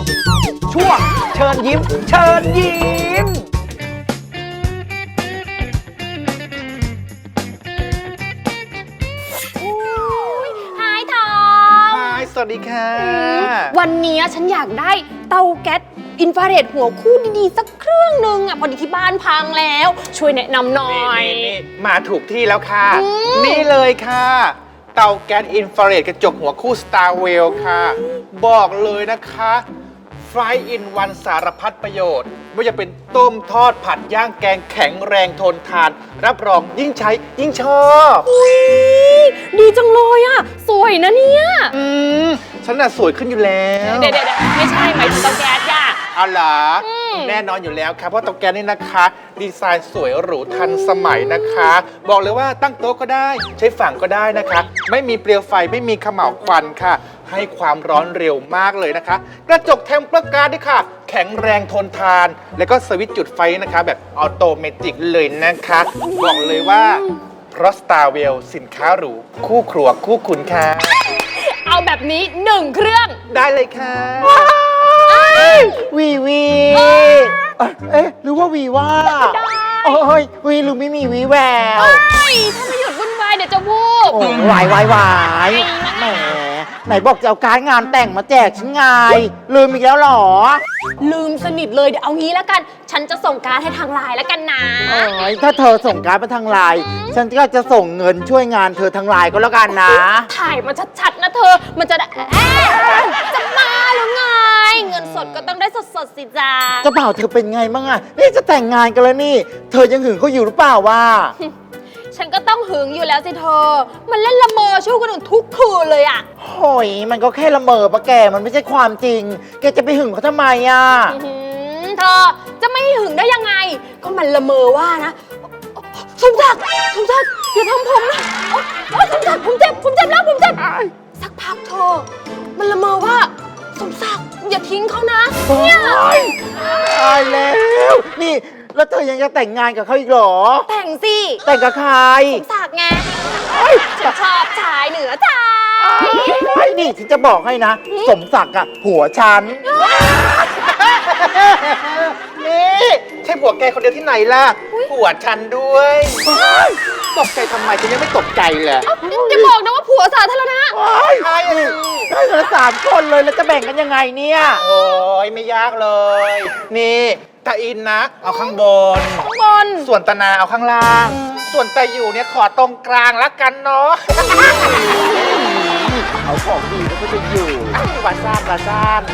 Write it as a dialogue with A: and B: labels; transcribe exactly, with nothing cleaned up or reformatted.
A: ช่วงเชิญยิ้มเชิญยิ้ม
B: หายทอง
A: ฮายสวัสดีค่ะ
B: วันนี้ฉันอยากได้เตาแก๊สอินฟราเรดหัวคู่ดีๆสักเครื่องหนึ่งอ่ะพอดีที่บ้านพังแล้ว ช่วยแนะนำหน่อย
A: นี่นี่มาถูกที่แล้วค่ะ
B: อืม
A: นี่เลยค่ะ เตาแก๊สอินฟราเรดกระจกหัวคู่ Starwell ค่ะ บอกเลยนะคะไฟอินวันสารพัดประโยชน์ไม่ว่าจะเป็นต้มทอดผัดย่างแกงแข็งแรงทนทาน รับรองยิ่งใช้ยิ่งชอบ
B: อุ๊ยดีจังเลยอ่ะ สวยนะเนี่ย
A: อืมฉันน่ะสวยขึ้นอยู่แล้ว
B: เดี๋ยวเดี๋ยวไม่ใช่หมายถึงเตาแก๊สย่ะ
A: เอาเหรอ
B: อืม
A: แน่นอนอยู่แล้วครับเพราะเตาแก๊สนี่นะคะ ดีไซน์สวยหรูทันสมัยนะคะ บอกเลยว่าตั้งโต๊ะก็ได้ ใช้ฝั่งก็ได้นะคะ ไม่มีเปลวไฟไม่มีเขม่าวควันค่ะ ให้ความร้อนเร็วมากเลยนะคะ กระจกเทมเปอร์การ์ดด้วยค่ะ แข็งแรงทนทาน แล้วก็สวิตช์จุดไฟนะคะ แบบออโตเมติกเลยนะคะ บอกเลยว่าเพราะ Starwell สินค้าหรูคู่ครัวคู่คุณค่ะ
B: เอาแบบนี้หนึ่งเครื่อง
A: ได้เลยค่ะ
C: วีวีเอ๊ะเอ๊ะหรือว่าวีว่าโอ้ยวีหรือไม่มีวีแวว
B: เฮ้ยถ้าไม่หยุดวุ่นวายเดี๋ยวจะวูบ
C: โอ้ยวายวายวายแหมไหนบอกจะเอาการดงานแต่งมาแจกฉันไงลืมอีกแล้วเหรอ
B: ลืมสนิทเลยเดี๋ยวเอางี้แล้วกัน ฉันจะส่งการดให้ทางไลน์แล้วกันนะ
C: โอ้ยถ้าเธอส่งการดมาทางไลน์ฉันก็จะส่งเงินช่วยงานเธอทางไลน์ก็แล้วกันนะ
B: ถ่ายมาชัดๆนะเธอ มันจะได้เอ๊ะจะมาหรือไง เงินสดก็ต้องได้สดๆสิจ้า
C: เจ้าบ่าวเธอเป็นไงบ้างอะนี่จะแต่งงานกันแล้วนี่ เธอยังหึงเขาอยู่หรือเปล่าวะ
B: ฉันก็ต้องหึงอยู่แล้วสิเธอ มันเล่นละเมอช่วยคนอื่นทุกคืนเลยอะ
C: โอ้ยมันก็แค่ละเมอปะแกมันไม่ใช่ความจริง แกจะไปหึงเขาทำไมอะ
B: อื้อหือเธอจะไม่หึงได้ยังไง ก็มันละเมอว่านะสมศักดิ์สมศักดิ์อย่าทำผมนะโอ๊ยโอ๊ยสมศักดิ์ผมเจ็บผมเจ็บแล้วผมเจ็บสักพักเธอ มันละเมอว่าสมศักดิ์อย่าทิ้งเขานะเนี่ย
C: โอ๊ยตายแล้ว นี่ แล้วเธอยังจะแต่งงานกับเขาอีกเหรอ
B: แต่งสิ
C: แต่งกับใคร
B: สมศักดิ์ไงฉันชอบชายเหนือชาย
C: ไอ้นี่ฉันจะบอกให้นะ สมศักดิ์อะผัวฉัน
A: นี่ใช่ผัวแกคนเดียวที่ไหนล่ะผัวฉันด้วยตกใจทำไมฉันยังไม่ตกใจเลย
B: อย่าบอกนะว่าผัวสาธารณะ
A: ใช่อะสิ
C: ได้เหลือสามคนเลยแล้วจะแบ่งกันยังไงเนี่ย
A: โอ้ยไม่ยากเลย นี่ตาอินนะ เอาข้างบน
B: ข้างบน
A: ส่วนตานาเอาข้างล่าง ส่วนตาอยู่เนี่ยขอตรงกลางละกันเนาะ
C: เอาของดีแล้วก็จะอยู่
A: วาซ่านวาซ่าน